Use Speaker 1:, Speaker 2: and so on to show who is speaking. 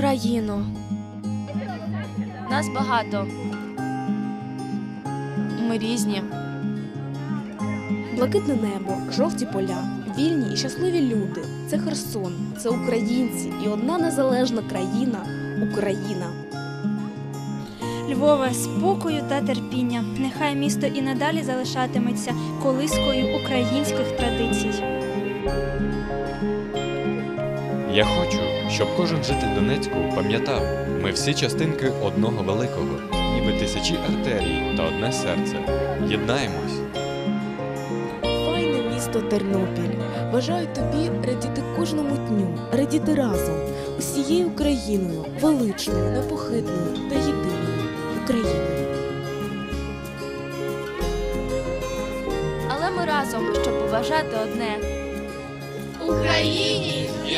Speaker 1: Україно. Нас багато. Ми різні.
Speaker 2: Блакитне небо, жовті поля, вільні і щасливі люди. Це Херсон, це українці і одна незалежна країна – Україна.
Speaker 3: Львове, спокою та терпіння. Нехай місто і надалі залишатиметься колискою українських традицій.
Speaker 4: Я хочу, щоб кожен житель Донецьку пам'ятав, ми всі частинки одного великого, ніби тисячі артерій та одне серце. Єднаємось.
Speaker 2: Файне місто Тернопіль. Бажаю тобі радіти кожному дню, радіти разом, усією Україною, величною, непохитною та єдиною Україною.
Speaker 1: Але ми разом, щоб побажати одне.
Speaker 5: Україні